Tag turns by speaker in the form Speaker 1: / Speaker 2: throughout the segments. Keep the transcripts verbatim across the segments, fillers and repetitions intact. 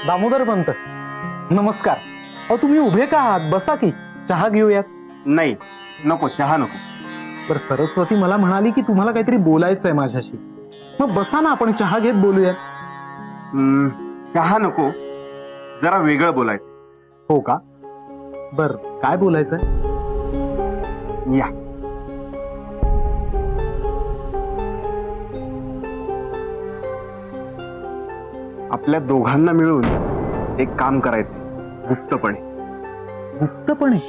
Speaker 1: दामोदर पंत, नमस्कार. अहो तुम्ही उभे का आहात? बसा की चहा घेऊयात.
Speaker 2: नाही नको, चहा नको.
Speaker 1: तर सरस्वती मला म्हणाली की तुम्हाला काहीतरी बोलायचंय माझ्याशी. मग बसा ना, आपण चहा घेत बोलूयात.
Speaker 2: हम्म, चहा नको, जरा वेगळं बोलायचं.
Speaker 1: हो का? बर, काय बोलायचंय?
Speaker 2: या. आपल्या दोघांना मिळून एक काम करायचं, गुप्तपणे.
Speaker 1: गुप्तपणे?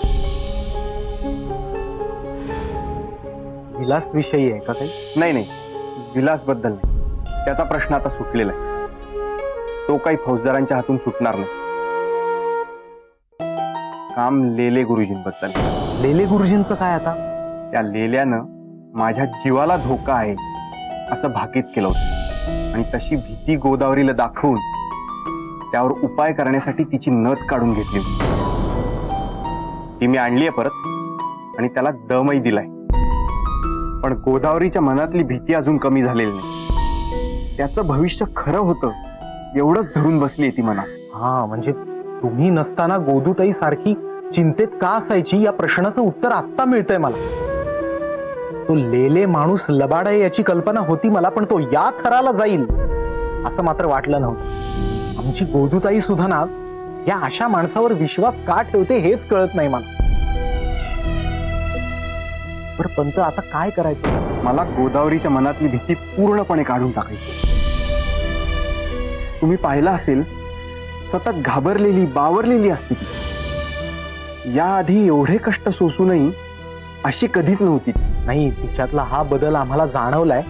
Speaker 1: विलास विषयी आहे का काही?
Speaker 2: नाही नाही, विलास बद्दल नाही. त्याचा प्रश्न आता सुटलेला आहे. तो काही फौजदारांच्या हातून सुटणार नाही. काम लेले गुरुजींबद्दल.
Speaker 1: लेले गुरुजींचं काय आता?
Speaker 2: त्या लेल्यानं माझ्या जीवाला धोका आहे असं भाकीत केलं होतं, आणि तशी भीती गोदावरीला दाखवून त्यावर उपाय करण्यासाठी तिची नथ काढून घेतली होती. ती मी आणलीये परत आणि त्याला दमही दिलाय. पण गोदावरीच्या मनातली भीती अजून कमी झालेली नाही. त्याचं भविष्य खरं होतं एवढंच धरून बसली ती मनात.
Speaker 1: हा, म्हणजे तुम्ही नसताना गोदूताई सारखी चिंतेत का असायची या प्रश्नाचं उत्तर आत्ता मिळतंय मला. तो लेले माणूस लबाड आहे याची कल्पना होती मला, पण तो या थराला जाईल असं मात्र वाटलं नव्हतं. आमची गोदूताई सुद्धा ना या अशा माणसावर विश्वास का ठेवते हेच कळत नाही मला. बरं पंत, आता काय करायचं?
Speaker 2: मला गोदावरीच्या मनातली भीती पूर्णपणे काढून टाकायची. तुम्ही पाहिलं असेल, सतत घाबरलेली बावरलेली असते ती. याआधी एवढे कष्ट सोसूनही अशी कधीच नव्हती.
Speaker 1: नाही, तिच्यातला हा बदल आम्हाला जाणवलाय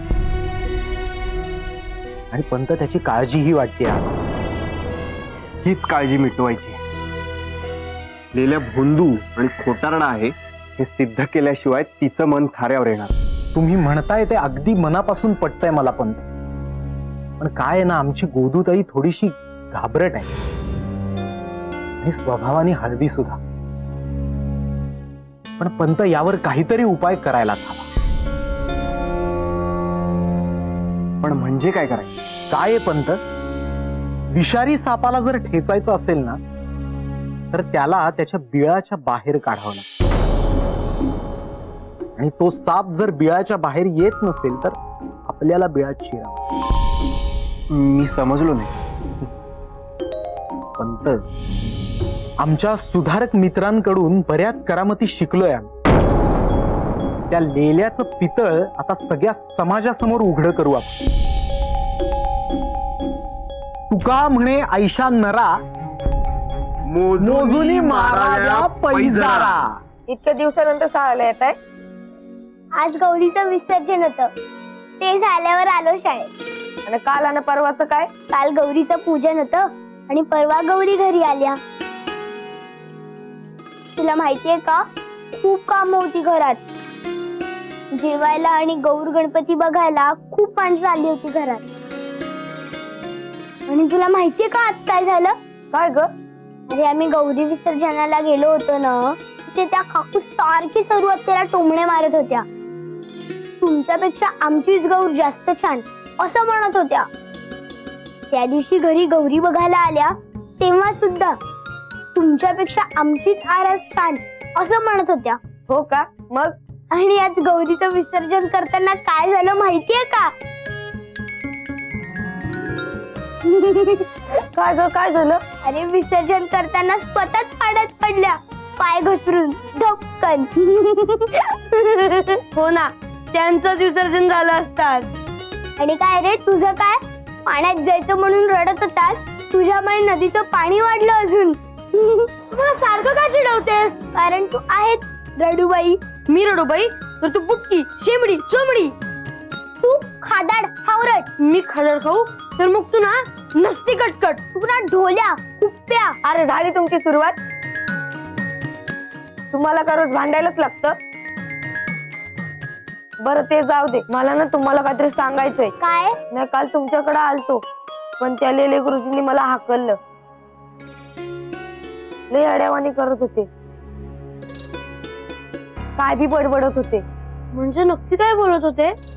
Speaker 1: आणि पंत त्याची काळजीही वाटते.
Speaker 2: हीच काळजी मिटवायची. लेल्या भोंदू आणि खोटारडा आहे हे सिद्ध केल्याशिवाय तिचं मन थाऱ्यावर येणार.
Speaker 1: तुम्ही म्हणताय ते अगदी मनापासून पटतंय मला पंत. पण काय आहे ना, आमची गोदूताई थोडीशी घाबरट आहे आणि स्वभावाने हळवी सुद्धा. पण पंत, यावर काहीतरी उपाय करायलाच हवा.
Speaker 2: पण म्हणजे काय करायचं?
Speaker 1: काय आहे पंत, विषारी सापाला जर ठेचायचं असेल ना, तर त्याला त्याच्या बिळाच्या बाहेर काढावं लागतं. आणि तो साप जर बिळाच्या बाहेर येत नसेल तर आपल्याला बिळात शिरावं.
Speaker 2: मी समजलो नाही.
Speaker 1: पंत, आमच्या सुधारक मित्रांकडून बऱ्याच करामती शिकलोय आम्ही. त्या लेल्याचं पितळ आता सगळ्या समाजासमोर उघड करू आपण. तुका म्हणे आयशा नरा, मोजुनी माराव्या पैजारा.
Speaker 3: इतक्या दिवसानंतर शाळेला येत आहे?
Speaker 4: आज गौरीचं विसर्जन होतं, ते झाल्यावर आलो शाळेत.
Speaker 3: आणि काल आणि परवाचं काय?
Speaker 4: काल गौरीचं पूजन होतं आणि परवा गौरी घरी आल्या. तुला माहितीये का, खूप काम होती घरात. जेवायला आणि गौर गणपती बघायला खूप माणसं आली होती घरात. आणि तुला माहितीये का आज काय झालं?
Speaker 3: काय ग?
Speaker 4: अरे, आम्ही गौरी विसर्जनाला गेलो होतो ना, ते त्या काकू सारखी सर्व त्याला टोमणे मारत होत्या. तुमच्यापेक्षा आमचीच गौर जास्त छान असं म्हणत होत्या. त्या दिवशी घरी गौरी बघायला आल्या तेव्हा सुद्धा तुमच्यापेक्षा आमचीच आरास छान असं म्हणत होत्या.
Speaker 3: हो का? मग?
Speaker 4: आणि आज गौरीचं विसर्जन करताना काय झालं माहितीये का?
Speaker 3: काय ग, काय झालं?
Speaker 4: अरे, विसर्जन करताना स्वतःच पाण्यात पडल्या, पाय घसरून धपकन.
Speaker 3: हो ना, त्यांचंच विसर्जन झालं असतात.
Speaker 4: आणि काय रे, तुझं काय? पाण्यात जायचं म्हणून रडत होतास, तुझ्यामुळे नदीचं पाणी वाढलं अजून. मला सारखं का चिडवतेस? कारण तू आहेस रडूबाई.
Speaker 3: मी रडूबाई? तर तू बुटकी, शेंबडी, चोमडी.
Speaker 4: तू खादाड, हावरट.
Speaker 3: मी खादड खाऊ तर मग तू ना नसती कटकट.
Speaker 4: तू ना ढोल्या, कुप्प्या.
Speaker 3: अरे, झाली तुमची सुरुवात. तुम्हाला का रोज भांडायलाच लागतं? बरं, ते जाऊ दे. मला ना तुम्हाला काहीतरी सांगायचंय.
Speaker 4: काय?
Speaker 3: मी काल तुमच्याकडे आलतो, पण त्या लेले गुरुजींनी मला हाकललं. लय अड्यावानी करत होते, काय बी बडबडत होते.
Speaker 4: म्हणजे नक्की काय बोलत होते?